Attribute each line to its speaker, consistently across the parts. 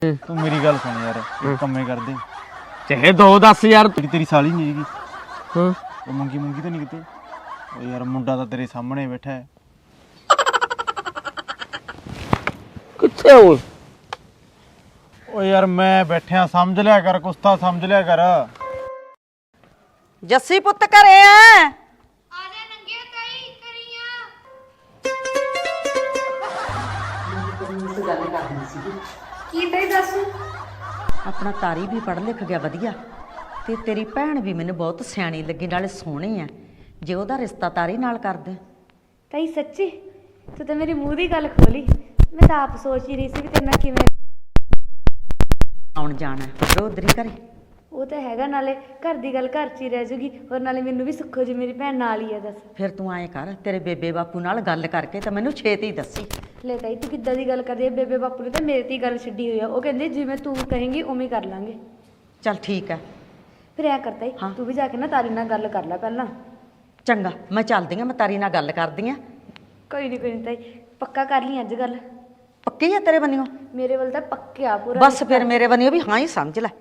Speaker 1: ਤੂੰ ਮੇਰੀ ਗੱਲ ਸੁਣ ਯਾਰ, ਕੰਮੇ ਕਰਦੇ
Speaker 2: ਚਾਹੇ 2-10 ਯਾਰ।
Speaker 1: ਤੇਰੀ ਸਾਲੀ ਨਹੀਂ ਹੈਗੀ।
Speaker 2: ਹਾਂ
Speaker 1: ਉਹ ਮੰਗੀ ਤਾਂ ਨਹੀਂ ਕਿਤੇ। ਉਹ ਯਾਰ ਮੁੰਡਾ ਤਾਂ ਤੇਰੇ ਸਾਹਮਣੇ ਬੈਠਾ ਹੈ।
Speaker 2: ਕਿੱਥੇ ਓਏ?
Speaker 1: ਉਹ ਯਾਰ ਮੈਂ ਬੈਠਿਆ, ਸਮਝ ਲਿਆ ਕਰ, ਕੁਛ ਤਾਂ ਸਮਝ ਲਿਆ ਕਰ।
Speaker 3: ਜੱਸੀ ਪੁੱਤ ਘਰੇ ਆ?
Speaker 4: ਆਜਾ ਨੰਗਿਆ ਤਾਈ ਕਰੀਆਂ। ਕੀ ਤਾਈ ਦੱਸ?
Speaker 3: ਆਪਣਾ ਤਾਰੀ ਵੀ ਪੜ੍ਹ ਲਿਖ ਗਿਆ ਵਧੀਆ, ਤੇ ਤੇਰੀ ਭੈਣ ਵੀ ਮੈਨੂੰ ਬਹੁਤ ਸਿਆਣੀ ਲੱਗੀ, ਨਾਲੇ ਸੋਹਣੀ ਆ। ਜੇ ਉਹਦਾ ਰਿਸ਼ਤਾ ਤਾਰੀ ਨਾਲ ਕਰ ਦੇ।
Speaker 4: ਤਾਈ ਸੱਚੀ ਤੂੰ ਤਾਂ ਮੇਰੀ ਮੂੰਹ ਦੀ ਗੱਲ ਖੋਲੀ। ਮੈਂ ਤਾਂ ਆਪ ਸੋਚ ਹੀ ਰਹੀ ਸੀ ਵੀ ਤੇਰੇ ਨਾਲ ਕਿਵੇਂ
Speaker 3: ਆਉਣ ਜਾਣਾ ਰੋਦਰੀ ਘਰੇ।
Speaker 4: ਉਹ ਤਾਂ ਹੈਗਾ, ਨਾਲੇ ਘਰ ਦੀ ਗੱਲ ਘਰ 'ਚ ਹੀ ਰਹਿ ਜੂਗੀ, ਔਰ ਨਾਲੇ ਮੈਨੂੰ ਵੀ ਸੁੱਖੋ ਜੀ ਮੇਰੀ ਭੈਣ ਨਾਲ ਹੀ ਆ। ਦੱਸ
Speaker 3: ਫਿਰ ਤੂੰ ਐਂ ਕਰ, ਤੇਰੇ ਬੇਬੇ ਬਾਪੂ ਨਾਲ ਗੱਲ ਕਰਕੇ ਤਾਂ ਮੈਨੂੰ ਛੇਤੀ ਦੱਸੀ।
Speaker 4: ਲੈ ਤਾਈ ਤੂੰ ਕਿੱਦਾਂ ਦੀ ਗੱਲ ਕਰਦੀ ਹੈ? ਬੇਬੇ ਬਾਪੂ ਨੇ ਤਾਂ ਮੇਰੇ ਤੇ ਹੀ ਗੱਲ ਛੱਡੀ ਹੋਈ ਆ। ਉਹ ਕਹਿੰਦੇ ਜਿਵੇਂ ਤੂੰ ਕਹੇਂਗੀ ਉਵੇਂ ਕਰ ਲਾਂਗੇ।
Speaker 3: ਚੱਲ ਠੀਕ ਹੈ।
Speaker 4: ਫਿਰ ਐ ਕਰਤਾ ਹੀ ਤੂੰ ਵੀ ਜਾ ਕੇ ਨਾ ਤਾਰੀ ਨਾਲ ਗੱਲ ਕਰ ਲੈ ਪਹਿਲਾਂ।
Speaker 3: ਚੰਗਾ, ਮੈਂ ਚੱਲਦੀ ਆ, ਮੈਂ ਤਾਰੀ ਨਾਲ ਗੱਲ ਕਰਦੀ ਆ।
Speaker 4: ਕੋਈ ਨਹੀਂ ਤਾਈ, ਪੱਕਾ ਕਰ ਲਈ ਅੱਜ ਗੱਲ।
Speaker 3: ਪੱਕੀ ਆ ਤੇਰੇ ਬੰਨਿਓ?
Speaker 4: ਮੇਰੇ ਵੱਲ ਤਾਂ ਪੱਕਿਆ ਪੂਰਾ।
Speaker 3: ਬਸ ਫਿਰ ਮੇਰੇ ਬੰਨਿਓ ਵੀ ਹਾਂ ਹੀ ਸਮਝ ਲੈ।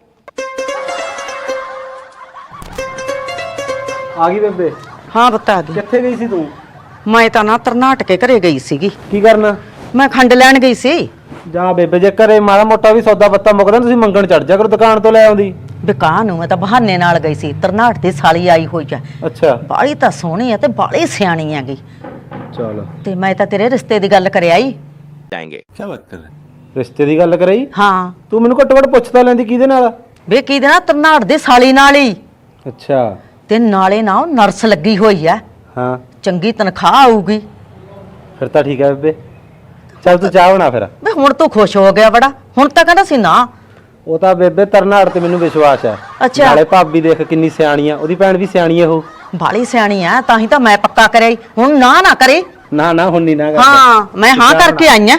Speaker 1: ਆ ਗਈ ਬੇਬੇ?
Speaker 3: ਹਾਂ ਪੁੱਤ ਆ ਗਈ।
Speaker 1: ਕਿੱਥੇ ਗਈ ਸੀ ਤੂੰ?
Speaker 3: ਮੈਂ ਤਾਂ ਨਾ ਤਰਨਾਟਕੇ ਘਰੇ ਗਈ ਸੀਗੀ।
Speaker 1: ਕੀ ਕਰਨਾ?
Speaker 3: ਮੈਂ ਖੰਡ ਲੈਣ ਗਈ ਸੀ।
Speaker 1: ਜਾ ਬੇਬੇ, ਜੇ ਘਰੇ ਮਾੜਾ ਮੋਟਾ ਵੀ ਸੌਦਾ ਪੱਤਾ ਮੁੱਕਦਾ ਤੁਸੀਂ ਮੰਗਣ ਚੜ ਜਾ ਕਰੋ, ਦੁਕਾਨ ਤੋਂ ਲੈ ਆਉਂਦੀ।
Speaker 3: ਦੁਕਾਨ ਨੂੰ ਮੈਂ ਤਾਂ ਬਹਾਨੇ ਨਾਲ ਗਈ ਸੀ। ਤਰਨਾਟ ਦੀ ਸਾਲੀ ਆਈ ਹੋਈ ਆ।
Speaker 1: ਅੱਛਾ।
Speaker 3: ਬਾਲੀ ਤਾਂ ਸੋਹਣੀ ਆ ਤੇ ਬਾਲੀ ਸਿਆਣੀ ਹੈਗੀ।
Speaker 1: ਚਲ,
Speaker 3: ਤੇ ਮੈਂ ਤਾਂ ਤੇਰੇ ਰਿਸ਼ਤੇ ਦੀ ਗੱਲ ਕਰਿਆ ਹੀ।
Speaker 1: ਕੀ ਬਾਤ ਕਰ? ਰਿਸ਼ਤੇ ਦੀ ਗੱਲ ਕਰਾਈ?
Speaker 3: ਹਾਂ।
Speaker 1: ਤੂੰ ਮੈਨੂੰ ਘੱਟੋ ਘੱਟ ਪੁੱਛਦਾ ਲੈਂਦੀ ਕਿਹਦੇ ਨਾਲ?
Speaker 3: ਵੇ ਕਿਹਦੇ ਨਾਲ? ਤਰਨਾਟ ਦੀ ਸਾਲੀ ਨਾਲ ਹੀ।
Speaker 1: ਅੱਛਾ।
Speaker 3: ਤੇ ਨਾਲੇ ਨਾ ਉਹ ਨਰਸ ਲੱਗੀ ਹੋਈ ਆ।
Speaker 1: ਹਾਂ।
Speaker 3: ਚੰਗੀ ਤਨਖਾਹ ਆਊਗੀ।
Speaker 1: ਫਿਰ ਤਾਂ ਠੀਕ ਹੈ ਬੇਬੇ, ਚੱਲ ਤੂੰ ਚਾਹ ਬਣਾ ਫਿਰ।
Speaker 3: ਵੇ ਹੁਣ ਤੂੰ ਖੁਸ਼ ਹੋ ਗਿਆ ਬੜਾ, ਹੁਣ ਤਾਂ ਕਹਿੰਦਾ ਸੀ ਨਾ।
Speaker 1: ਉਹ ਤਾਂ ਬੇਬੇ ਤਰਨਾੜ ਤੇ ਮੈਨੂੰ ਵਿਸ਼ਵਾਸ ਹੈ।
Speaker 3: ਅੱਛਾ।
Speaker 1: ਨਾਲੇ ਭਾਬੀ ਦੇਖ ਕਿੰਨੀ ਸਿਆਣੀ ਆ, ਉਹਦੀ ਭੈਣ ਵੀ ਸਿਆਣੀ ਆ। ਉਹ
Speaker 3: ਬਾਲੀ ਸਿਆਣੀ ਆ, ਤਾਂ ਹੀ ਤਾਂ ਮੈਂ ਪੱਕਾ ਕਰਿਆ ਈ। ਹੁਣ ਨਾ ਕਰੇ।
Speaker 1: ਨਾ ਨਾ ਹੁਣ ਨਹੀਂ ਨਾ ਕਰਦਾ।
Speaker 3: ਹਾਂ, ਮੈਂ ਹਾਂ ਕਰਕੇ ਆਈ ਆ।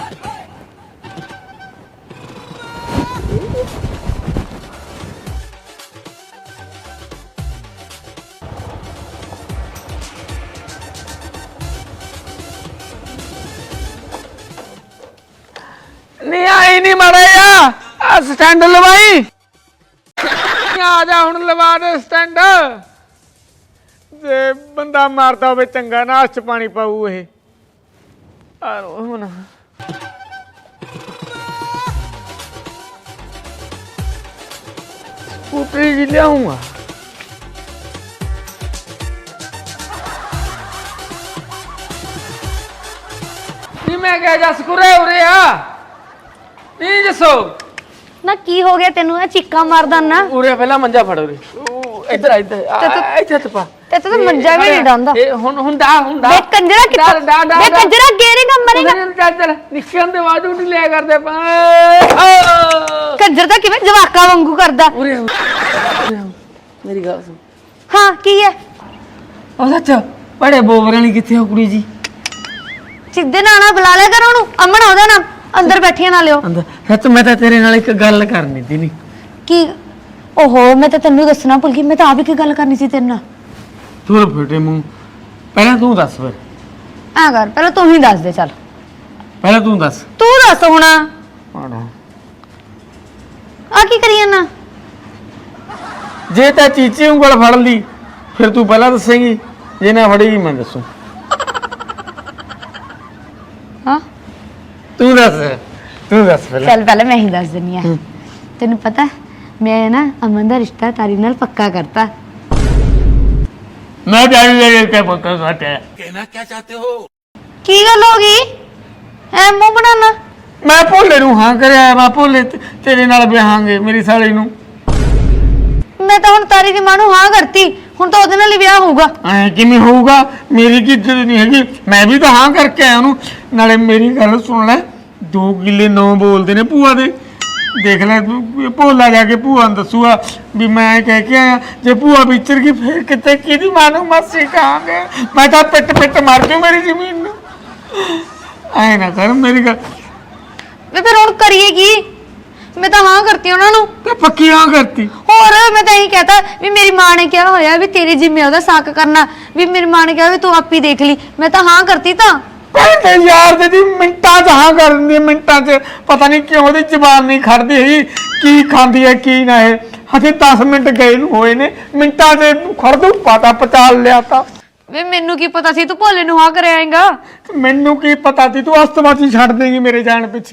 Speaker 2: ਨਹੀਂ ਆਈ ਨਹੀਂ ਮਾੜਾ ਆ ਸਟੈਂਡ ਲਵਾਈ। ਆ ਜਾ ਹੁਣ ਲਵਾ ਦੇ ਸਟੈਂਡ। ਜੇ ਬੰਦਾ ਮਾਰਦਾ ਹੋਵੇ ਚੰਗਾ ਨਾ, ਹੱਥ 'ਚ ਪਾਣੀ ਪਾਊ ਇਹ। ਆ ਹੁਣ ਸਕੂਟਰੀ ਜੀ ਲਿਆਉਂਗਾ। ਨਹੀਂ ਮੈਂ ਕਿਹਾ ਜਸ ਕੁਰੇ ਉਰੇ ਆ। ਨਹੀਂ ਜਸੋ
Speaker 4: ਨਾ ਕੀ ਹੋ ਗਿਆ ਤੈਨੂੰ? ਇਹ ਚੀਕਾਂ ਮਾਰਦਾ ਨਾ।
Speaker 2: ਉਰੇ ਪਹਿਲਾਂ ਮੰਜਾ ਫੜ ਉਰੇ। ਇੱਧਰ ਇੱਥੇ ਤਪਾ
Speaker 4: ਤੇ ਤੂੰ ਮੰਜਾ ਵੀ ਨਹੀਂ ਡਾਂਦਾ।
Speaker 2: ਇਹ ਹੁੰਦਾ
Speaker 4: ਵੇ ਕੰਜਰਾ ਕਿੱਥੇ? ਵੇ ਕੰਜਰਾ ਗੇਰੇਗਾ ਮਰੇਗਾ।
Speaker 2: ਚੱਲ ਨਿਕਲਣ ਦੇ ਬਾਅਦ ਨਹੀਂ ਲਿਆ ਕਰਦੇ
Speaker 4: ਕੰਜਰ ਤਾਂ ਕਿਵੇਂ ਜਵਾਕਾਂ ਵਾਂਗੂ ਕਰਦਾ।
Speaker 2: ਉਰੇ ਮੇਰੀ ਗੱਲ ਸੁਣ।
Speaker 4: ਹਾਂ ਕੀ ਹੈ?
Speaker 2: ਉਹ ਸੱਚ ਬੜੇ ਬੋਬਰਾਂ ਨਹੀਂ ਕਿੱਥੇ ਹੋ ਕੁੜੀ ਜੀ?
Speaker 4: ਸਿੱਧੇ ਨਾਲ ਨਾ ਬੁਲਾ ਲਿਆ ਕਰ ਉਹਨੂੰ। ਅਮਨ ਉਹਦਾ ਨਾਮ। ਅੰਦਰ ਬੈਠੀਆਂ ਨਾ ਲਿਓ।
Speaker 2: ਅੰਦਰ ਸੱਚ ਮੈਂ ਤਾਂ ਤੇਰੇ ਨਾਲ ਇੱਕ ਗੱਲ ਕਰਨੀ ਸੀ। ਨਹੀਂ
Speaker 4: ਕੀ? ਓਹੋ ਮੈਂ ਤਾਂ ਤੈਨੂੰ ਦੱਸਣਾ ਭੁੱਲ ਗਈ। ਮੈਂ ਤਾਂ ਆਪ ਹੀ ਕੀ ਗੱਲ ਕਰਨੀ ਸੀ ਤੇਰੇ ਨਾਲ।
Speaker 2: ਤੂੰ ਫਟੇ ਮੂੰਹ, ਪਹਿਲਾਂ ਤੂੰ ਦੱਸ। ਫਿਰ
Speaker 4: ਆ ਕਰ, ਪਹਿਲਾਂ ਤੂੰ ਹੀ ਦੱਸ ਦੇ। ਚੱਲ
Speaker 2: ਪਹਿਲਾਂ ਤੂੰ ਦੱਸ।
Speaker 4: ਤੂੰ ਦੱਸ ਹੁਣ। ਆ ਕੀ ਕਰੀ ਜਾਂਦਾ?
Speaker 2: ਜੇ ਤਾਂ ਚੀਚੀ ਉਂਗਲ ਫੜ ਲਈ ਫਿਰ ਤੂੰ ਪਹਿਲਾਂ ਦੱਸੇਂਗੀ, ਜੇ ਨਾ ਫੜੇਗੀ ਮੈਂ ਦੱਸੂ।
Speaker 4: ਹਾਂ
Speaker 2: ਤੂੰ ਦੱਸ ਪਹਿਲਾਂ।
Speaker 4: ਚੱਲ ਪਹਿਲਾਂ ਮੈਂ ਹੀ ਦੱਸ ਦਿੰਨੀ ਆ। ਤੈਨੂੰ ਪਤਾ ਮੈਂ ਨਾ ਅਮਨ ਦਾ ਰਿਸ਼ਤਾ ਤਾਰੀ ਨਾਲ ਪੱਕਾ ਕਰਤਾ।
Speaker 2: मैं पक्का कहते हैं।
Speaker 5: कहना क्या चाहते हो?
Speaker 4: ਕੀ ਗੱਲ ਹੋ ਗਈ? ਐ ਮੂੰਹ ਬਣਾਣਾ।
Speaker 2: मैं भोले नूं हाँ करिया। मैं भोले तेरे नाल विआहांगे मेरी साली नूं।
Speaker 4: ਮੈਂ ਤਾਂ ਹੁਣ ਤਾਰੀ ਦੀ ਮਾਂ ਨੂੰ ਹਾਂ ਕਰਤੀ। ਹੁਣ ਤਾਂ ਉਹਦੇ ਨਾਲ ਹੀ ਵਿਆਹ ਹੋਊਗਾ।
Speaker 2: ਐ ਕਿਵੇਂ ਹੋਊਗਾ? ਮੇਰੀ ਕੀ ਇੱਜ਼ਤ ਨਹੀਂ ਹੈਗੀ? ਮੈਂ ਵੀ ਤਾਂ ਹਾਂ ਕਰਕੇ ਆਇਆ ਉਹਨੂੰ। ਨਾਲੇ ਮੇਰੀ ਗੱਲ ਸੁਣ ਲੈ, 2 ਕਿੱਲੇ 9 ਬੋਲਦੇ ਨੇ ਭੂਆ ਦੇ। ਦੇਖ ਲੈ ਤੂੰ, ਭੋਲਾ ਜਾ ਕੇ ਭੂਆ ਨੂੰ ਦੱਸੂਗਾ ਵੀ ਮੈਂ ਕਹਿ ਕੇ ਆਇਆ। ਜੇ ਭੂਆ ਵਿਚਰ ਗਈ ਫਿਰ ਕਿਤੇ ਕਿਹਦੀ ਮਾਂ ਨੂੰ ਮਾਸੀ ਕਹਾਂਗੇ? ਮੈਂ ਤਾਂ ਪਿੱਟ ਮਾਰ ਜੂ ਮੇਰੀ ਜ਼ਮੀਨ ਨੂੰ। ਐ ਨਾ ਕਰ ਮੇਰੀ ਗੱਲ।
Speaker 4: ਵੇ ਫਿਰ ਹੁਣ ਕਰੀਏ ਕੀ? ਮੈਂ ਤਾਂ ਹਾਂ ਕਰਤੀ ਉਹਨਾਂ ਨੂੰ।
Speaker 2: ਤੇ ਪੱਕੀ ਹਾਂ ਕਰਤੀ।
Speaker 4: ਹੋਰ ਮੈਂ ਤਾਂ ਇਹੀ ਕਹਤਾ ਵੀ ਮੇਰੀ ਮਾਂ ਨੇ ਕਿਹਾ ਹੋਇਆ ਵੀ ਤੇਰੀ ਜ਼ਿੰਮੇ ਉਹਦਾ ਸਾਕ ਕਰਨਾ। ਵੀ ਮੇਰੀ ਮਾਂ ਨੇ ਕਿਹਾ ਵੀ ਤੂੰ ਆਪੀ ਦੇਖ ਲਈ। ਮੈਂ ਤਾਂ ਹਾਂ ਕਰਤੀ ਤਾਂ।
Speaker 2: ਪਹਿਲੇ ਯਾਰ ਦੀ ਮਿੰਟਾਂ 'ਚ ਹਾਂ ਕਰ ਦਿੰਦੀ ਹੈ, ਮਿੰਟਾਂ 'ਚ ਪਤਾ ਨਹੀਂ ਕਿਉਂ ਉਹਦੀ ਜ਼ਬਾਨ ਨਹੀਂ ਖੜਦੀ ਹੈਗੀ, ਕੀ ਖਾਂਦੀ ਹੈ ਕੀ ਨਾ ਇਹ। ਹਜੇ 10 ਮਿੰਟ ਗਏ ਨੂੰ ਹੋਏ ਨੇ, ਮਿੰਟਾਂ 'ਚ ਖੜ ਦੂ ਪਤਾ ਪਚਾਲ ਲਿਆ ਤਾਂ।
Speaker 4: ਵੇ ਮੈਨੂੰ ਕੀ ਪਤਾ ਸੀ ਤੂੰ ਭੋਲੇ ਨੂੰ ਹਾਂ ਕਰ ਆਏਗਾ।
Speaker 2: ਮੈਨੂੰ ਕੀ ਪਤਾ ਸੀ ਤੂੰ ਅਸਤਵਾਤੀ ਛੱਡ ਦੇਂਗੀ ਮੇਰੇ ਜਾਣ ਪਿੱਛੇ।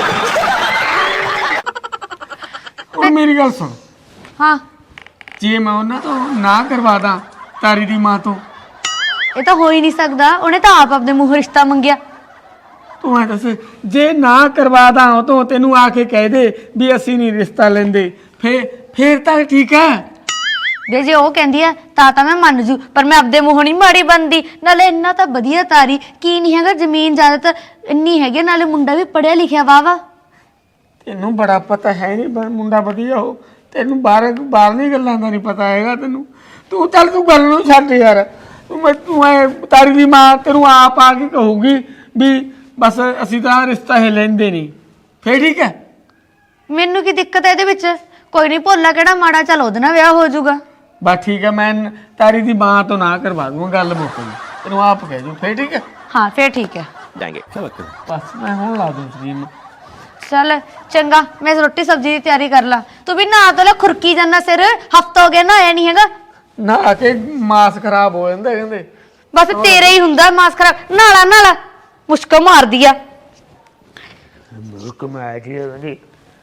Speaker 2: ਉਹ ਮੇਰੀ ਗੱਲ ਸੁਣ,
Speaker 4: ਹਾਂ
Speaker 2: ਜੇ ਮੈਂ ਉਹਨਾਂ ਤੋਂ ਨਾ ਕਰਵਾ ਦਾਂ ਤਾਰੀ ਦੀ ਮਾਂ ਤੋਂ,
Speaker 4: ਇਹ ਤਾਂ ਹੋ ਹੀ ਨਹੀਂ ਸਕਦਾ, ਉਹਨੇ ਤਾਂ ਆਪ ਆਪਣੇ ਮੂੰਹ ਰਿਸ਼ਤਾ ਮੰਗਿਆ।
Speaker 2: ਤੂੰ ਐ ਦੱਸ, ਜੇ ਨਾ ਕਰਵਾ ਦਾਂ ਉਹ ਤੋਂ ਤੈਨੂੰ ਆ ਕੇ ਕਹਿ ਦੇ ਵੀ ਅਸੀਂ ਨਹੀਂ ਰਿਸ਼ਤਾ ਲੈਂਦੇ, ਫੇਰ ਤਾਂ ਠੀਕ ਹੈ।
Speaker 4: ਵੇ ਜੇ ਉਹ ਕਹਿੰਦੀ ਆ ਤਾਂ ਮੈਂ ਮੰਨ ਜੂ, ਪਰ ਮੈਂ ਆਪਦੇ ਮੂੰਹੋਂ ਨਹੀਂ ਮਾੜੀ ਬਣਦੀ। ਨਾਲੇ ਇੰਨਾ ਤਾਂ ਵਧੀਆ ਤਾਰੀ ਕੀ ਨਹੀਂ ਹੈਗਾ, ਜ਼ਮੀਨ ਜ਼ਿਆਦਾਤਰ ਇੰਨੀ ਹੈਗੀ, ਨਾਲੇ ਮੁੰਡਾ ਵੀ ਪੜਿਆ ਲਿਖਿਆ ਵਾ।
Speaker 2: ਤੈਨੂੰ ਬੜਾ ਪਤਾ ਹੈ ਨਹੀਂ ਮੁੰਡਾ ਵਧੀਆ ਹੋ, ਤੈਨੂੰ ਬਾਹਰਲੀ ਗੱਲਾਂ ਦਾ ਨਹੀਂ ਪਤਾ ਹੈਗਾ ਤੈਨੂੰ। ਤੂੰ ਚੱਲ ਤੂੰ ਗੱਲ ਨੂੰ ਛੱਡ ਯਾਰ, ਤੂੰ ਐ ਤਾਰੀ ਦੀ ਮਾਂ ਤੈਨੂੰ ਆਪ ਆ ਕੇ ਕਹੂਗੀ ਵੀ ਬਸ ਅਸੀਂ ਤਾਂ ਰਿਸ਼ਤਾ ਹੀ ਲੈਂਦੇ ਨਹੀਂ, ਫੇਰ ਠੀਕ ਹੈ।
Speaker 4: ਮੈਨੂੰ ਕੀ ਦਿੱਕਤ ਹੈ ਇਹਦੇ ਵਿੱਚ? ਕੋਈ ਨਹੀਂ, ਭੋਲਾ ਕਿਹੜਾ ਮਾੜਾ, ਚੱਲ ਉਹਦੇ ਨਾਲ ਵਿਆਹ ਹੋ ਜਾਊਗਾ।
Speaker 2: ਬਸ ਠੀਕ ਹੈ, ਮੈਂ ਤਾਰੀ ਦੀ ਮਾਂ ਤੋਂ ਨਾ ਕਰਵਾ ਦੂੰਗਾ, ਗੱਲ ਮੁੱਕ ਗਈ, ਤੈਨੂੰ ਆਪ ਕਹਿ ਦੂੰ, ਫੇਰ ਠੀਕ ਹੈ।
Speaker 4: ਹਾਂ ਫੇਰ ਠੀਕ ਹੈ।
Speaker 2: ਬਸ ਮੈਂ ਹੁਣ ਲਾ ਦੂੰ ਸਕਰੀਨ।
Speaker 4: ਚੱਲ ਚੰਗਾ, ਮੈਂ ਰੋਟੀ ਸਬਜ਼ੀ ਦੀ ਤਿਆਰੀ ਕਰ ਲਾਂ। ਤੂੰ ਵੀ ਨਹਾ ਧੋ ਲੈ, ਖੁਰਕੀ ਜਾਂਦਾ ਸਿਰ, ਹਫਤਾ ਹੋ ਗਿਆ ਨਹਾਇਆ ਨਹੀਂ ਹੈਗਾ।
Speaker 2: ਨਾ ਕੇ ਮਾਸ ਖਰਾਬ ਹੋ ਜਾਂਦਾ ਕਹਿੰਦੇ।
Speaker 4: ਬਸ ਤੇਰਾ ਹੀ ਹੁੰਦਾ ਮਾਸ ਖਰਾਬ। ਨਾਲਾ ਮੁਸ਼ਕ ਮਾਰਦੀ ਆ।
Speaker 2: ਮੁਸ਼ਕ ਮਾਰ ਜੀ ਕਹਿੰਦੀ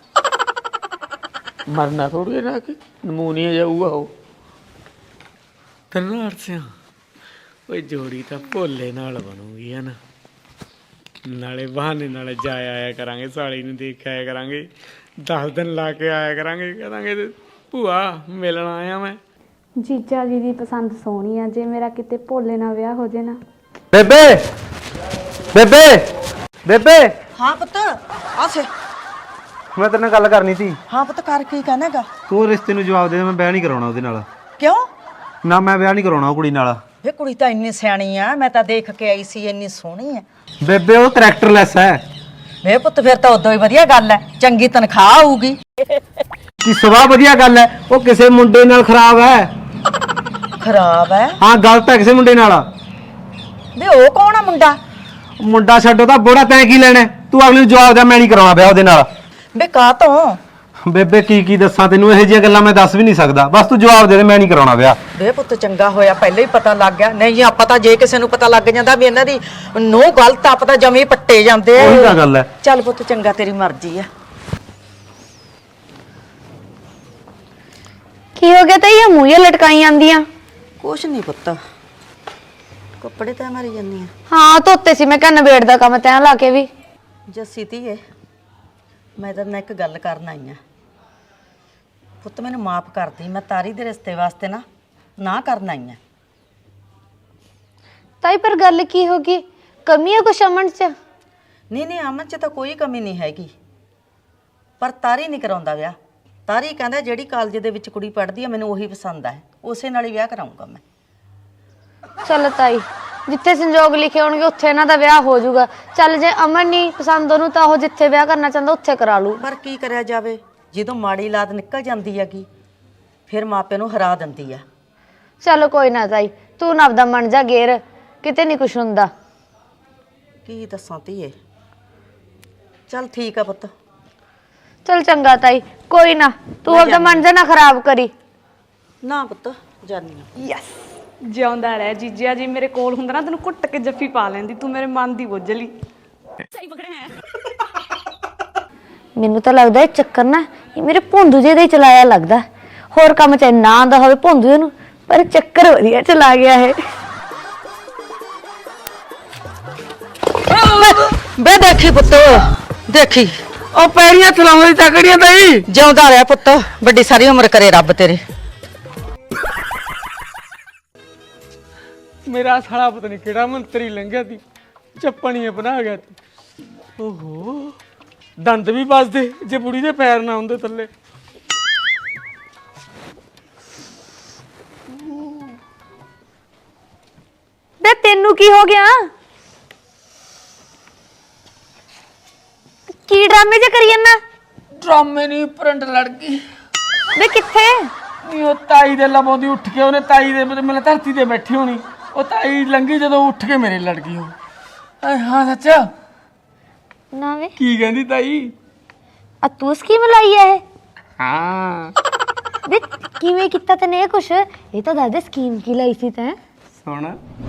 Speaker 2: ਮਰਨਾ ਥੋੜੀ ਨਾ ਕਿ ਨਮੂਨੀਆ ਜਾਊਗਾ ਉਹ। ਤੈਨੂੰ ਅਰਸਿਆ ਓਏ ਜੋੜੀ ਤਾਂ ਭੋਲੇ ਨਾਲ ਬਣੂਗੀ ਹੈ ਨਾ, ਨਾਲੇ ਬਹਾਨੇ ਨਾਲ ਜਾ ਆਇਆ ਕਰਾਂਗੇ, ਸਾਲੀ ਨੂੰ ਦੇਖ ਆਇਆ ਕਰਾਂਗੇ, 10 ਦਿਨ ਲਾ ਕੇ ਆਇਆ ਕਰਾਂਗੇ, ਕਹਾਂਗੇ ਭੂਆ ਮਿਲਣ ਆਇਆ ਮੈਂ।
Speaker 5: ਜੀਜਾ ਜੀ ਦੀ ਪਸੰਦ ਸੋਹਣੀ ਆ, ਜੇ ਮੇਰਾ ਕਿਤੇ ਭੋਲੇ ਨਾਲ ਵਿਆਹ ਹੋ ਜੇ ਨਾ।
Speaker 1: ਬੇਬੇ ਬੇਬੇ ਬੇਬੇ
Speaker 3: ਹਾਂ ਪੁੱਤ ਆਸੇ।
Speaker 1: ਮੈਂ ਤੇਰੇ ਨਾਲ ਗੱਲ ਕਰਨੀ ਸੀ।
Speaker 3: ਹਾਂ ਪੁੱਤ ਕਰ, ਕੀ ਕਹਿਣਾਗਾ?
Speaker 1: ਤੂੰ ਰਿਸ਼ਤੇ ਨੂੰ ਜਵਾਬ ਦੇ, ਮੈਂ ਵਿਆਹ ਨਹੀਂ ਕਰਾਉਣਾ ਉਹਦੇ ਨਾਲ।
Speaker 3: ਕਿਉਂ?
Speaker 1: ਨਾ ਮੈਂ ਵਿਆਹ ਨਹੀਂ ਕਰਾਉਣਾ ਉਹ ਕੁੜੀ ਨਾਲ।
Speaker 3: ਵੇ ਕੁੜੀ ਤਾਂ ਇੰਨੀ ਸਿਆਣੀ ਆ, ਮੈਂ ਤਾਂ ਦੇਖ ਕੇ ਆਈ ਸੀ, ਇੰਨੀ ਸੋਹਣੀ ਆ।
Speaker 1: ਬੇਬੇ ਉਹ ਕਰੈਕਟਰਲੈਸ ਹੈ।
Speaker 3: ਵੇ ਪੁੱਤ ਫਿਰ ਤਾਂ ਉਦੋਂ ਹੀ ਵਧੀਆ ਗੱਲ ਹੈ, ਚੰਗੀ ਤਨਖਾਹ ਆਊਗੀ।
Speaker 1: ਕੀ ਸਵਾ ਵਧੀਆ ਗੱਲ ਹੈ, ਉਹ ਕਿਸੇ ਮੁੰਡੇ ਨਾਲ ਖਰਾਬ ਹੈ।
Speaker 3: ਖਰਾਬ ਹੈ?
Speaker 1: ਹਾਂ ਗਲਤ ਹੈ ਕਿਸੇ ਮੁੰਡੇ ਨਾਲ।
Speaker 3: ਵੇ ਉਹ ਕੌਣ ਆ ਮੁੰਡਾ?
Speaker 1: ਮੁੰਡਾ ਛੱਡੋ ਤਾਂ ਬੋੜਾ, ਤੈਂ ਕੀ ਲੈਣਾ? ਤੂੰ ਅਗਲੀ ਨੂੰ ਜਵਾਬ ਦੇ, ਮੈਂ ਨਹੀਂ ਕਰਾਉਣਾ ਵਿਆਹ ਉਹਦੇ ਨਾਲ।
Speaker 3: ਵੇ ਕਾਹ ਤੋਂ?
Speaker 1: ਬੇਬੇ ਕੀ ਦੱਸਾਂ ਤੈਨੂੰ, ਇਹੋ ਜਿਹੀਆਂ ਗੱਲਾਂ ਮੈਂ ਦੱਸ ਵੀ ਨਹੀਂ ਸਕਦਾ। ਬਸ ਤੂੰ ਜਵਾਬ ਦੇ ਦੇ, ਮੈਂ ਨਹੀਂ ਕਰਾਉਣਾ ਵਿਆਹ।
Speaker 3: ਵੇ ਪੁੱਤ ਚੰਗਾ ਹੋਇਆ ਪਹਿਲਾਂ ਹੀ ਪਤਾ ਲੱਗ ਗਿਆ, ਨਹੀਂ ਆਪਾਂ ਤਾਂ ਜੇ ਕਿਸੇ ਨੂੰ ਪਤਾ ਲੱਗ ਜਾਂਦਾ ਵੀ ਇਹਨਾਂ ਦੀ ਨੂੰਹ ਗਲਤ, ਆਪਾਂ ਤਾਂ ਜਮੀ ਪੱਟੇ ਜਾਂਦੇ ਆ।
Speaker 1: ਉਹੀ ਤਾਂ ਗੱਲ ਹੈ।
Speaker 3: ਚੱਲ ਪੁੱਤ ਚੰਗਾ, ਤੇਰੀ ਮਰਜ਼ੀ ਆ।
Speaker 5: ਕੀ ਹੋ ਗਿਆ ਤਾਂ ਇਹ ਮੂੰਹ ਲਟਕਾਈ ਜਾਂਦੀਆਂ?
Speaker 3: ਕੁਛ ਨਹੀਂ ਪੁੱਤ, ਕੱਪੜੇ ਤਾਂ ਮਾਰੀ ਜਾਂਦੀ ਆ।
Speaker 5: ਹਾਂ ਧੋਤੇ ਸੀ, ਮੈਂ ਕਿਹਾ ਨਵੇੜ ਦਾ ਕੰਮ ਤੈਂ ਲਾ ਕੇ ਵੀ।
Speaker 3: ਜੱਸੀ ਧੀਏ, ਮੈਂ ਤਾਂ ਇੱਕ ਗੱਲ ਕਰਨ ਆਈ ਆ। ਪੁੱਤ ਮੈਨੂੰ ਮਾਫ ਕਰਦੀ, ਮੈਂ ਤਾਰੀ ਦੇ ਰਿਸ਼ਤੇ ਵਾਸਤੇ ਨਾ ਕਰਨ ਆਈ ਆ।
Speaker 5: ਤਾਈ ਪਰ ਗੱਲ ਕੀ ਹੋ ਗਈ? ਕਮੀ ਹੈ ਕੁਛ ਅਮਨ ਚ?
Speaker 3: ਨਹੀਂ ਅਮਨ ਚ ਤਾਂ ਕੋਈ ਕਮੀ ਨਹੀਂ ਹੈਗੀ, ਪਰ ਤਾਰੀ ਨਹੀਂ ਕਰਾਉਂਦਾ ਵਿਆਹ। ਤਾਰੀ ਕਹਿੰਦਾ ਜਿਹੜੀ ਕਾਲਜ ਦੇ ਵਿੱਚ ਕੁੜੀ ਪੜ੍ਹਦੀ ਆ ਮੈਨੂੰ ਉਹੀ ਪਸੰਦ ਆ, ਉਸੇ ਨਾਲ ਹੀ ਵਿਆਹ ਕਰਾਉਂਗਾ ਮੈਂ।
Speaker 5: ਚੱਲ ਤਾਈ, ਜਿੱਥੇ ਸੰਜੋਗ ਲਿਖੇ ਹੋਣਗੇ ਉੱਥੇ ਇਹਨਾਂ ਦਾ ਵਿਆਹ ਹੋ ਜਾਊਗਾ। ਚੱਲ ਜੇ ਅਮਨ ਨਹੀਂ ਪਸੰਦ ਉਹਨੂੰ, ਤਾਂ ਉਹ ਜਿੱਥੇ ਵਿਆਹ ਕਰਨਾ ਚਾਹੁੰਦਾ ਉੱਥੇ ਕਰਾ ਲੂ।
Speaker 3: ਪਰ ਕੀ ਕਰਿਆ ਜਾਵੇ, ਜਦੋਂ ਮਾੜੀ ਲਾਦ ਨਿਕਲ ਜਾਂਦੀ ਹੈਗੀ ਫਿਰ ਮਾਪੇ ਨੂੰ ਹਰਾ ਦਿੰਦੀ ਆ।
Speaker 5: ਚਲੋ ਕੋਈ ਨਾ ਤਾਈ, ਤੂੰ ਨਾ ਆਪਦਾ ਮਨ ਜਾ ਗੇਰ, ਕਿਤੇ ਨਹੀਂ ਕੁਛ ਹੁੰਦਾ।
Speaker 3: ਕੀ ਦੱਸਾਂ ਧੀਏ। ਚੱਲ ਠੀਕ ਆ ਪੁੱਤ।
Speaker 5: ਚਲ ਚੰਗਾ ਤਾਈ, ਕੋਈ ਨਾ, ਤੂੰ ਆਪਦਾ ਮਨ ਜਾ ਨਾ ਖਰਾਬ ਕਰੀ।
Speaker 3: ਨਾ ਪੁੱਤ ਜਾਨੀ ਆ।
Speaker 5: ਯੈਸ।
Speaker 6: ਜਿਉਂਦਾ ਰਹਿ ਜੀਜਾ ਜੀ, ਮੇਰੇ ਕੋਲ ਹੁੰਦਾ ਨਾ ਤੈਨੂੰ ਕੁੱਟ ਕੇ ਜੱਫੀ ਪਾ ਲੈਂਦੀ, ਤੂੰ ਮੇਰੇ ਮਨ ਦੀ ਬੁੱਝਲੀ।
Speaker 5: ਮੈਨੂੰ ਤਾਂ ਲੱਗਦਾ ਇਹ ਚੱਕਰ ਨਾ ਇਹ ਮੇਰੇ ਭੋਂਦੂ ਜਿਹੇ ਦਾ ਹੀ ਚਲਾਇਆ ਲੱਗਦਾ। ਹੋਰ ਕੰਮ ਚਾਹੇ ਨਾ ਆਉਂਦਾ ਹੋਵੇ ਭੋਂਦੂ ਨੂੰ, ਪਰ ਚੱਕਰ ਵਧੀਆ ਚਲਾ ਗਿਆ ਹੈ।
Speaker 3: ਬੇ ਦੇਖੀ ਪੁੱਤ, ਦੇਖੀ
Speaker 2: ਉਹ ਪੈਰੀਆਂ ਚਲਾਉਂਦੀ ਤਕੜੀਆਂ ਤਾਈ।
Speaker 3: ਜਿਉਂਦਾ ਰਹਿ ਪੁੱਤ, ਵੱਡੀ ਸਾਰੀ ਉਮਰ ਕਰੇ ਰੱਬ ਤੇਰੇ।
Speaker 2: ਮੇਰਾ ਸਾਲਾ ਪਤਾ ਨਹੀਂ ਕਿਹੜਾ ਮੰਤਰੀ ਲੰਘਿਆ ਸੀ, ਚੱਪਣੀਆਂ ਬਣਾ ਗਿਆ ਤੀ। ਓਹੋ ਦੰਦ ਵੀ ਵੱਜਦੇ ਜੇ ਬੁੜੀ ਦੇ ਪੈਰ ਨਾ ਹੁੰਦੇ ਥੱਲੇ।
Speaker 5: ਬੇ ਤੈਨੂੰ ਕੀ ਹੋ ਗਿਆ? ਕੀ ਡਰਾਮੇ ਜੇ ਕਰੀ ਜਾਂਦਾ?
Speaker 2: ਡਰਾਮੇ ਨਹੀਂ, ਪ੍ਰਿੰਟ ਲੜ ਗਈ।
Speaker 5: ਬੇ ਕਿੱਥੇ?
Speaker 2: ਨਹੀਂ ਉਹ ਤਾਈ ਦੇ ਲਬੋਂ ਦੀ ਉੱਠ ਕੇ, ਉਹਨੇ ਤਾਈ ਦੇ ਮੈਨੂੰ ਧਰਤੀ ਤੇ ਬੈਠੀ ਹੋਣੀ, ਉਹ ਤਾਈ ਲੰਗੀ ਜਦੋਂ ਉੱਠ ਕੇ ਮੇਰੇ ਲੜ ਗਈ ਉਹ। ਹਾਂ ਸੱਚਾ
Speaker 5: ਨਾ ਵੇ
Speaker 2: ਕੀ ਕਹਿੰਦੀ ਤਾਈ?
Speaker 5: ਆ ਤੂੰ ਸਕੀਮ ਲਾਈ ਐ ਇਹ?
Speaker 2: ਹਾਂ
Speaker 5: ਵੇ ਕਿਵੇਂ ਕੀਤਾ ਤੈਨੇ ਇਹ ਕੁਛ? ਇਹ ਤਾਂ ਦੱਸ ਦੇ ਸਕੀਮ ਕੀ ਲਾਈ ਸੀ ਤੈਂ?
Speaker 2: ਸੁਣ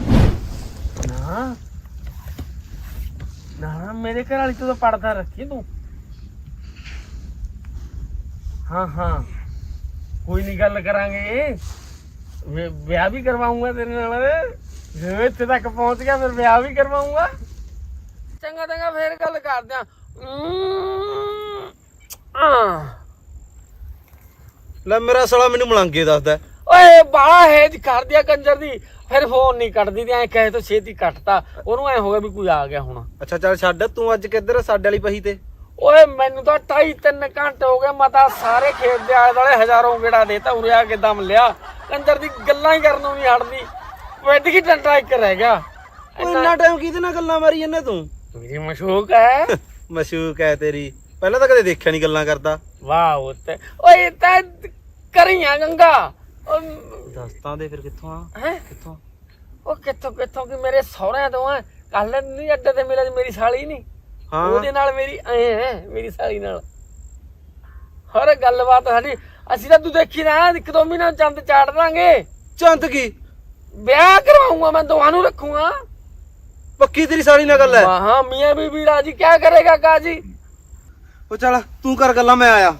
Speaker 2: ਨਾ ਮੇਰੇ ਘਰ ਵਾਲੀ ਤੂੰ ਤਾਂ ਪੜਦਾ ਰੱਖੀ ਤੂੰ। ਹਾਂ ਹਾਂ ਕੋਈ ਨਹੀਂ ਗੱਲ ਕਰਾਂਗੇ, ਵਿਆਹ ਵੀ ਕਰਵਾਉਂਗਾ ਤੇਰੇ ਨਾਲ। ਜੇ ਇੱਥੇ ਤੱਕ ਪਹੁੰਚ ਗਿਆ ਫਿਰ ਵਿਆਹ ਵੀ ਕਰਵਾਉਂਗਾ। ਚੰਗਾ ਚੰਗਾ ਫੇਰ ਗੱਲ ਕਰਦੇ ਆ।
Speaker 1: ਲੈ ਮੇਰਾ ਸਾਲਾ ਮੈਨੂੰ ਮਲੰਗੇ ਦੱਸਦਾ।
Speaker 2: ਓਏ ਬਾਲਾ ਹੈਜ ਕਰ ਦਿਆ ਕੰਜਰ ਦੀ, ਫਿਰ ਫੋਨ ਨਹੀਂ ਕੱਟਦੀ ਤੇ ਐ ਕਹੇ ਤੋਂ ਛੇਤੀ ਕੱਟਤਾ। ਉਹਨੂੰ ਐ ਹੋ ਗਿਆ ਵੀ ਕੋਈ ਆ ਗਿਆ ਹੁਣ।
Speaker 1: ਅੱਛਾ ਚੱਲ ਛੱਡ, ਤੂੰ ਅੱਜ ਕਿੱਧਰ ਸਾਡੇ ਵਾਲੀ ਪਹੀ ਤੇ?
Speaker 2: ਓਏ ਮੈਨੂੰ ਤਾਂ 2.5-3 ਘੰਟੇ ਹੋ ਗਏ, ਮੈਂ ਤਾਂ ਸਾਰੇ ਖੇਤ ਦੇ ਆਲੇ ਦੁਆਲੇ ਹਜ਼ਾਰਾਂ ਗੇੜਾ ਦੇਤਾ। ਉਰੇ ਆ ਕੇ ਦਮ ਲਿਆ, ਕੰਜਰ ਦੀ ਗੱਲਾਂ ਹੀ ਕਰਨੋਂ ਨਹੀਂ ਹਟਦੀ। ਵੱਡ ਕੀ ਟੰਟਾ ਇੱਕ ਰਹਿ ਗਿਆ।
Speaker 1: ਇੰਨਾ ਟਾਈਮ ਕਿਹਦੇ ਨਾਲ ਗੱਲਾਂ ਮਾਰੀ ਜੰਨੇ ਤੂੰ?
Speaker 2: ਮੇਰੀ ਮਸ਼ੂਕ ਹੈ।
Speaker 1: ਮਸ਼ੂਕ ਹੈ ਤੇਰੀ, ਪਹਿਲਾਂ ਤਾਂ ਕਦੇ ਦੇਖਿਆ ਨਹੀਂ ਗੱਲਾਂ ਕਰਦਾ।
Speaker 2: ਵਾਹ ਉੱਤੇ ਓਏ ਤਾਂ ਕਰੀਆਂ ਗੰਗਾ।
Speaker 1: ਦੱਸਤਾਂ ਦੇ ਫਿਰ ਕਿੱਥੋਂ ਆ?
Speaker 2: ਹੈ
Speaker 1: ਕਿੱਥੋਂ?
Speaker 2: ਉਹ ਕਿੱਥੋਂ ਕਿ ਮੇਰੇ ਸਹੁਰਿਆਂ ਤੋਂ ਆ। ਕੱਲ ਨਹੀਂ ਅੱਡੇ ਤੇ ਮਿਲਿਆ ਮੇਰੀ ਸਾਲੀ ਨਹੀਂ,
Speaker 1: ਹਾਂ
Speaker 2: ਉਹਦੇ ਨਾਲ ਮੇਰੀ ਐ ਹੈ, ਮੇਰੀ ਸਾਲੀ ਨਾਲ ਹਰ ਗੱਲਬਾਤ ਸਾਡੀ। ਅਸੀਂ ਤਾਂ ਤੂੰ ਦੇਖੀ ਨਾ 1-2 ਮਹੀਨਾ ਚੰਦ ਚਾੜ ਦਾਂਗੇ।
Speaker 1: ਚੰਦ ਕੀ?
Speaker 2: ਵਿਆਹ ਕਰਵਾਉਂਗਾ ਮੈਂ, ਦੋਹਾਂ ਨੂੰ ਰੱਖੂਗਾ।
Speaker 1: ਪੱਕੀ ਤੇਰੀ ਸਾਲੀ ਨਾਲ ਗੱਲ ਹੈ?
Speaker 2: ਹਾਂ ਮੀਆਂ ਬੀਬੀ ਰਾਜੀ ਕਿਆ ਕਰੇਗਾ ਕਾਜੀ।
Speaker 1: ਉਹ ਚੱਲ ਤੂੰ ਕਰ ਗੱਲਾਂ, ਮੈਂ ਆਇਆ।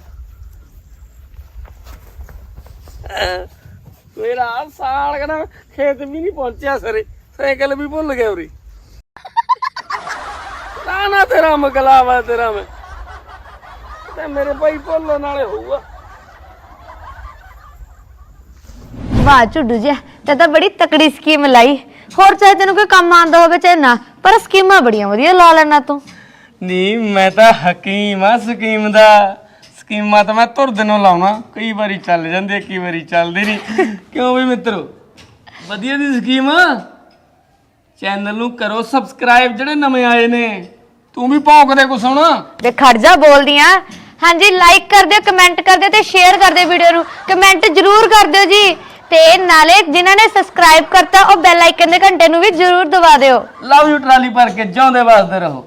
Speaker 2: ਮੇਰਾ ਸਾਲ ਕਹਿੰਦਾ ਖੇਤ ਵੀ ਨਹੀਂ ਪਹੁੰਚਿਆ ਸਰੇ, ਸਾਈਕਲ ਵੀ ਭੁੱਲ ਗਿਆ ਉਰੀ। ਨਾ ਤੇਰਾ ਮਗਲਾਵਾ ਤੇਰਾ ਮੈਂ ਤੇ ਮੇਰੇ ਭਾਈ ਭੁੱਲਣ ਵਾਲੇ ਹੋਊਗਾ।
Speaker 5: ਵਾਹ ਝੁੱਡੂ ਜੀ, ਤੇ ਤਾਂ ਬੜੀ ਤਕੜੀ ਸਕੀਮ ਲਾਈ। ਹੋਰ ਚਾਹੇ ਤੈਨੂੰ ਕੋਈ ਕੰਮ ਆਉਂਦਾ ਹੋਵੇ ਚਾਹੇ ਨਾ, ਪਰ ਸਕੀਮਾਂ ਬੜੀਆਂ ਵਧੀਆ ਲਾ ਲੈਣਾ ਤੂੰ।
Speaker 2: ਨਹੀਂ ਮੈਂ ਤਾਂ ਹਕੀਮ ਆ ਸਕੀਮ ਦਾ। ਸਕੀਮਾਂ ਤਾਂ ਮੈਂ ਧੁਰ ਦਿਨੋਂ ਲਾਉਣਾ, ਕਈ ਵਾਰੀ ਚੱਲ ਜਾਂਦੀ ਹੈ, ਕਈ ਵਾਰੀ ਚੱਲਦੀ ਨਹੀਂ। ਕਿਉਂ ਵੀ ਮਿੱਤਰੋ, ਵਧੀਆ ਦੀ ਸਕੀਮ। ਚੈਨਲ ਨੂੰ ਕਰੋ ਸਬਸਕ੍ਰਾਈਬ ਜਿਹੜੇ ਨਵੇਂ ਆਏ ਨੇ। ਤੂੰ ਵੀ ਭੌਂਕਦੇ ਕੁਛ ਹੁਣ।
Speaker 5: ਵੇ ਖੜ ਜਾ ਬੋਲਦੀਆਂ। ਹਾਂਜੀ ਲਾਈਕ ਕਰ ਦਿਓ, ਕਮੈਂਟ ਕਰ ਦਿਓ ਤੇ ਸ਼ੇਅਰ ਕਰ ਦਿਓ ਵੀਡੀਓ ਨੂੰ। ਕਮੈਂਟ ਜ਼ਰੂਰ ਕਰ ਦਿਓ ਜੀ, ਤੇ ਨਾਲੇ ਜਿਨ੍ਹਾਂ ਨੇ ਸਬਸਕ੍ਰਾਈਬ ਕਰਤਾ ਉਹ ਬੈਲ ਆਈਕਨ ਦੇ ਘੰਟੇ ਨੂੰ ਵੀ ਜ਼ਰੂਰ ਦਬਾ ਦਿਓ।
Speaker 2: ਲਵ ਯੂ ਟਰਾਲੀ ਭਰ ਕੇ ਜਿਉਂਦੇ ਵੱਸਦੇ ਰਹੋ।